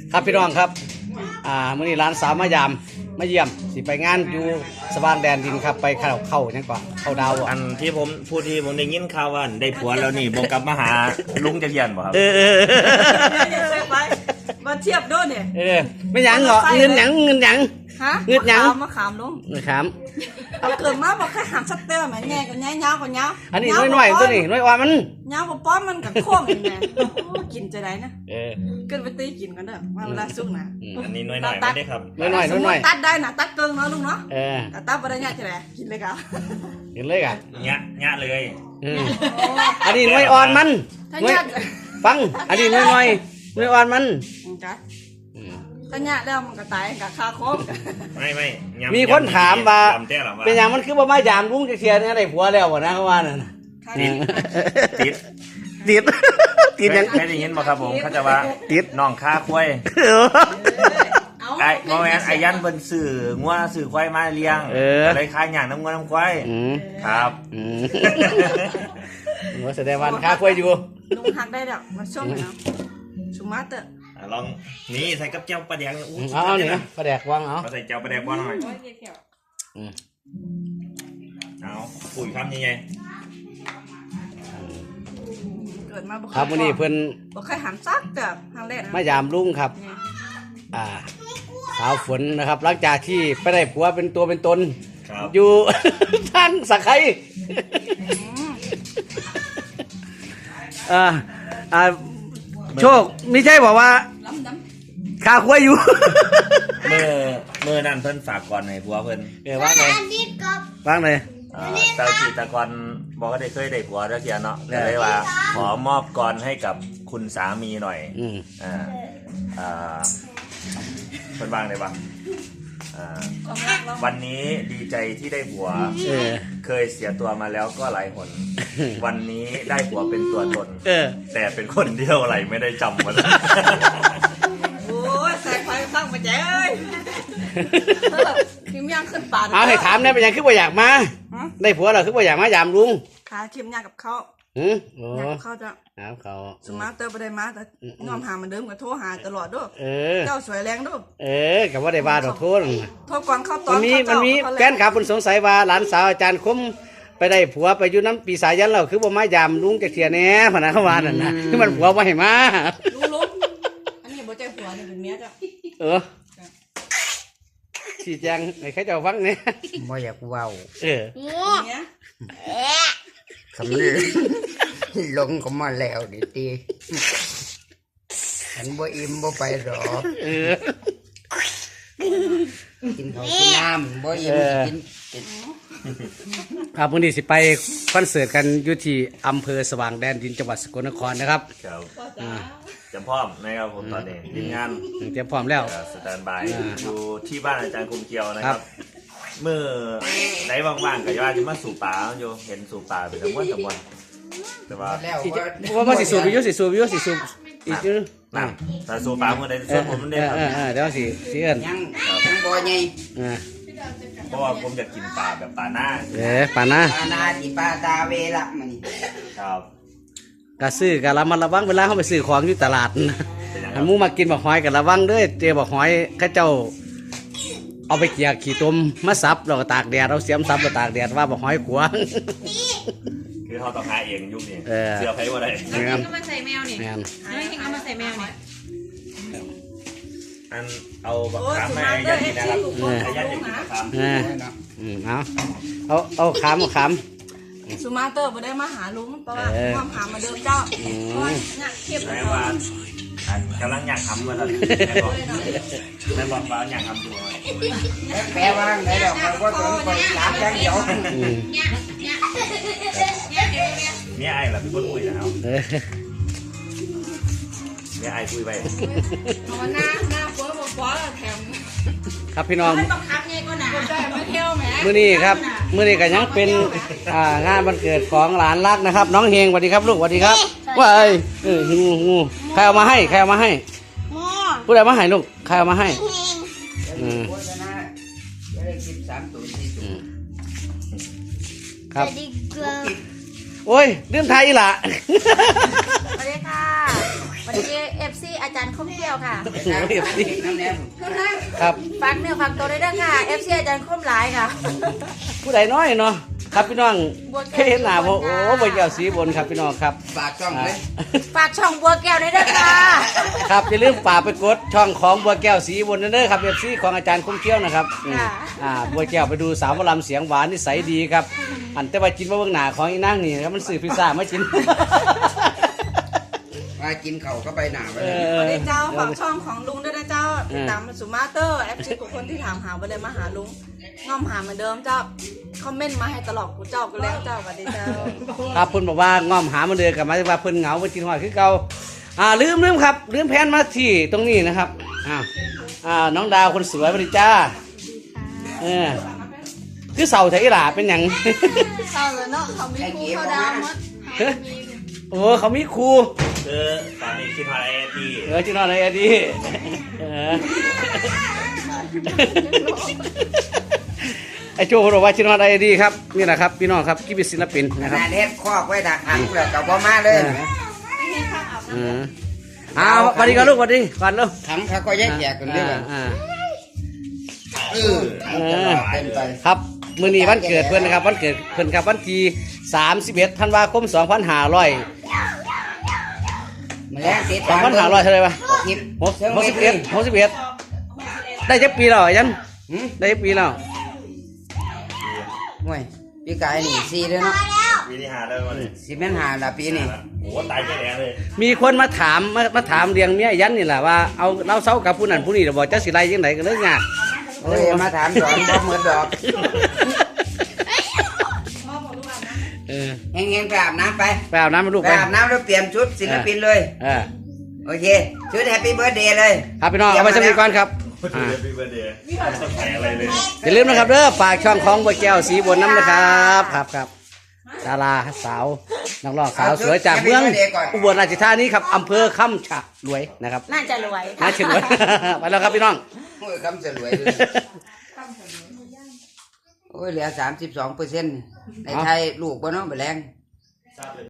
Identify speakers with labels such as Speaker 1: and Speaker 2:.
Speaker 1: ครับพี่น้องครับมื้อนี้ร้านสาวมายามมาเยี่ยมสิไปงานอยู่สว่างแดนดินครับไปเข้ายังก่อนเข้าดาว
Speaker 2: อันที่ผมพูดที่ผมได้ยินข่าวว่าได้ผัวแล้วนี่บ่กลับมาหาลุงจะเยียนบ่ครับ
Speaker 3: ไปมาเทียบด้วยเนี่ย
Speaker 1: ไม่หยังเหรอเงินหยัง
Speaker 3: ฮะ
Speaker 1: เงินหยัง
Speaker 3: มาขามลุง
Speaker 1: ขาม
Speaker 3: เอาเกิดมาบอกแค่หามสักเต้ไหมแง่กับแง่เงากับเงา
Speaker 1: อันนี้น้อยตัวนี้น้อยอ่อนมัน
Speaker 3: เงาป้อนมันกับโค้งอย่างไงกินจะได้นะเกินไปตีกินกันเด้อมาเวลาสุกนะ
Speaker 2: อันนี้น้อยไม่ได้ครับ
Speaker 1: น้อย
Speaker 3: ตัดได้นะตัดเกินเนาะลุงเนาะแต่ตัดไปได้เนี่ยจะได้กินเลยครับ
Speaker 1: กินเลยอ่ะ
Speaker 2: เงะเลย
Speaker 1: อันนี้น้อยอ่อนมันฟังอันนี้น้อยอ่อนมัน
Speaker 3: ก็เนี่ยแล้วมันก็ตายกับคาโค้ง
Speaker 2: ไม่
Speaker 1: มีคนถามว่าเป็นอย่างมันคือว่ามายามลุงจะเทียนอะไรผัวแล้ววะนะเขาว่านั่นติดยัง
Speaker 2: ไม่ได้ยินบ่ครับผมเขาจะว่าติดน้องค้าควายไอ้โมเมนต์ไอ้ยันเป็นสื่องัวสื่อควายมาเลี้ยงอะไรค้าอย่างน้ำงัวน้ำควายครับ
Speaker 1: แสดงวันค้าควายอยู่
Speaker 3: ลุงหักได้ดอกมันช่วงไหนสุมาเตอ
Speaker 2: ลองนี่ใส่กับเจ้าปลาแดก
Speaker 1: เอาเนี่ยปลาแดกวางเอา
Speaker 2: ใส่เจ้าปลาแดกวางหน่อยเอาปุ๋ยคำยังไง
Speaker 3: เกิดมา
Speaker 1: ครับวันนี้เพิ่น
Speaker 3: บอกใครหันซักกับทางแรก
Speaker 1: มายามลุงครับสาวฝนนะครับหลังจากที่ไปได้ผัวเป็นตัวเป็นตนอยู่ท่านสักไข่โชคไม่ใช่บอกว่าขาควายอยู่
Speaker 2: เมื่อนั้นเพิ่นฝากก่อนให้ผัวเพิ่น
Speaker 1: ว่างเลย
Speaker 2: ตาจีตะกอนบอกว่าได้เคยได้ผัวแล้วเทียนเนาะเลยว่าขอมอบก่อนให้กับคุณสามีหน่อยเพิ่นวางเลยว่าวันนี้ดีใจที่ได้ผัวเคยเสียตัวมาแล้วก็หลายคนวันนี้ได้ผัวเป็นตัวตนแต่เป็นคนเดียวอะไรไม่ได้จำมาเลย
Speaker 3: โอ้ยใส่ไฟสร้างมาแจ้ยคิมย่างขึ้นป่า
Speaker 1: เอาให้ถามได้เป็นยังคือว่าอยากมาได้ผัวเราคือว่าอยากมายามลุง
Speaker 3: ขาคิมย่างกับเขาเขาจะ
Speaker 1: เขา
Speaker 3: สมาร์ทเตอร์ไปได้มาแต่น้อมหามันเดิมกับโทรหาตลอดด้วยเจ้าสวยแรงด้วย
Speaker 1: กับว่าได้บาดอกโทษ
Speaker 3: ก่อนเข้าตอน
Speaker 1: มันมีแฟนคลับคนสงสัยว่าหลานสาวอาจารย์คมไปได้ผัวไปอยู่น้ำปีสายันเราคือว่ามายามลุงจะเสียแน่พนักเขาว่านั่นนะคือมันผัวมาให้มา
Speaker 3: ลุงอันนี้บ่ใจผัวนี่เป็นเมียจ้ะ
Speaker 1: ชี้แจงให้ใครจะฟังเนี่ย
Speaker 4: บ่อยากเว้าคำนี้ลงก็มาแล้วดิตีฉันบ่อิ่มบ่ไปหรอกกินข้าวกินน้ำบ่อิ่มกิน
Speaker 1: ครับวันนี้สิไปคอนเสิร์ตกันอยู่ที่อำเภอสว่างแดนดินจังหวัดสกลนครนะครับ
Speaker 2: เตรียมพร้อมนะครับผมตอนนี้ทีมงาน
Speaker 1: เตรียมพร้อมแล้ว
Speaker 2: สแตนบายอยู่ที่บ้านอาจารย์คุมเกียวนะครับเมื่อไหนว่างๆก็จะมาสู่ป่าอยู่เห็นสู่ป่าเป็นทั้งวันแต่
Speaker 1: ว่าสิสูบอยู่อีก
Speaker 2: นะแต่สู่ป่าเมื่อใดส่วนผมมันได้ครับ
Speaker 1: เดี๋ยวสิเอิ้น
Speaker 4: ยังบ่ไง
Speaker 2: เพราะว่าผมอยากกินปลาแบบปลาหน้า
Speaker 1: ปลาหน้า
Speaker 4: ที่ปลาตาเวละมัน
Speaker 2: ครับ
Speaker 1: กระซื้อกับระมัดระวังเวลาเขาไปซื้อของอยู่ตลาดหมูมากินบักหอยกับระวังด้วยเจอบักหอยข้าเจ้าเอาไปเกี่ยขี้ต้มมาซับเราก็ตากแดดเราเสียมซับเราตากแดดว่าบักหอยขวาง
Speaker 2: คือเขาต้องหาเองยุคนี้เสื้อไผ่ว่าได้
Speaker 3: เอามาใส่แมวนี่เอามาใส่แมวนี่
Speaker 2: อันเอาบักขามมายันกินนะครับยันอยากกินบักขาม
Speaker 1: เอาขาม
Speaker 3: สุมาเตอร์ไปได้มาหาลุงเพราะว่าความหามาเดิมเจ้าเนี่ยเทียบ
Speaker 2: กันว่ากำลังอยากทำมาตอนนี้ไม่บอกว่าอยากทำตัว
Speaker 4: แปลว่าไงเดี๋ยวว่าต้องไปล้างแกงเดียว
Speaker 2: เนี่ยไอ้ล่ะพี่คนคุยนะครับเนี่ยไอ้คุยไป
Speaker 3: หน้าฟ้าแถม
Speaker 1: ครับพี่น้องมื้อนี้ก็ยังเป็นงานวันเกิดของหลานรักนะครับน้องเฮงสวัสดีครับลูกสวัสดีครับว้ายงูใครเอามาให้ผู้ใดมาให้ลูกใครเอามาให้ครับโอ้ยเรื่องไทยล่ะ
Speaker 3: สวัสดีค่ะวันนี้ FC อาจารย์คมเที่ยวค่ะ
Speaker 1: เรียบดีครับ
Speaker 3: ฝากเนื้อฝากตัวด้วยนะคะ FC อาจารย์คมหลายค่ะ
Speaker 1: ผู้ใดน้อยเนาะครับพี่น้องเคยเห็นหน้าบ่โอ้บัวแก้วสีบนครับพี่น้องครับ
Speaker 4: ฝากช่องเลย
Speaker 3: ฝากช่องบัวแก้วด้วยนะคะ
Speaker 1: ครับอย่าลืมฝากไปกดช่องของบัวแก้วสีบนนั่นเด้อครับFCของอาจารย์คมเขี้ยวนะครับบัวแก้วไปดูสาวหมอลำเสียงหวานนิสัยดีครับอันแต่ว่ากินว่าเบื้องหน้าของอีนั่งนี่ครับมันซื้อพิซซ่ามากิน
Speaker 4: มากินเข่าก็ไปหนาไป
Speaker 1: เอ
Speaker 4: เลย
Speaker 1: อ
Speaker 3: เจ้าฝากช่องของลุงด้วยนะเจ้าติดตามสุมาเตอร์ FC ทุกคนที่ถามหาไปเลยมาหาลุงง้อมหาเหมือนเดิมเจ้าคอมเมนต์มาให้ตลอดกูเจ้าก็แล้วเจ้าสวัสดีเจ้า
Speaker 1: ครับเพิ่นบอกว่าง้อมหามาเดือกับมาว่าเพิ่นเหงาเพิ่นกินหอยคือเก่าลืมครับลืมแผนมาที่ตรงนี้นะครับน้องดาวคนสวยสวัสดีจ้าคือเสาไทยหล่ะเป็นหยัง
Speaker 3: เศร้าเลยเนาะเขามีคู่เขาดาวมด
Speaker 1: โอ้เขามีครู
Speaker 2: คือตอนนี้คิดว่าไอ้ที่
Speaker 1: จินอนอะไรอะดีไอโจบอกว่าจินอนอะไรดีครับนี่แหละครับพี่น้องครับกิ๊บศิลปิน
Speaker 4: ข
Speaker 1: นะครับ
Speaker 4: นาดเฮ็ดคอกไว้ถ้าขังเลยกับพ่อมาเลย
Speaker 1: สวัสดีครับลูกสวัสดีก่อนลูก
Speaker 4: ขังเขาก็แยกแยกกันด้วยกันเต็มไป
Speaker 1: ครับมื้อนี้วันเกิดเพื่อนนะครับวันเกิดเพื่อนครับวันที่31ธันวาคม2500
Speaker 4: มาแล้วติด
Speaker 1: 2,500เท่าไหร่วะ
Speaker 4: คิด
Speaker 1: 61ได้จักปีแล้วยันได้จักปีแล้ว
Speaker 4: ห่วยปีกายนี่4เลยเนาะ
Speaker 2: วิธีหาได้วันนี้
Speaker 4: สิแม่นหาละปีนี่
Speaker 2: โอ้ตายแค่แรงเลย
Speaker 1: มีคนมาถามเรียงเมียยันนี่แหละว่าเอาเราเซากับผู้นั้นผู้นี้บอกจะสิไล่ยังไงกันเลยไง
Speaker 4: โอ้ยมาถามสอนบ่เหมือนดอกเฮงๆไปอาบน้ำไป
Speaker 1: ไปอาบน้ำมาลูก
Speaker 4: ไปอาบน้ำแล้วเปลี่ยนชุดศิลปินเลยโอเคชุดแฮปปี้เบิร์ดเดย์เลย
Speaker 1: ครับพี่น้องเอาไปสมัครก่อนครับ
Speaker 2: พี่เบอร์เดย์ต้องใส่อะไรเลย
Speaker 1: อย่าลืมนะครับเด้อฝากช่องของบัวแก้วสีบนน้ำนะครับครับดาราสาวนักร้องสาวสวยจากเมืองอุบลราชธานีครับอำเภอคำฉะรวยนะครับ
Speaker 3: น่าจะรวย
Speaker 1: น่าเชื่อรวย ไปแล้วครับพี่น้อง
Speaker 4: โอ้ยคำสรวยเลยโอ้ยเหลือ32%ในไทยลูกบ่เนาะบ่แรง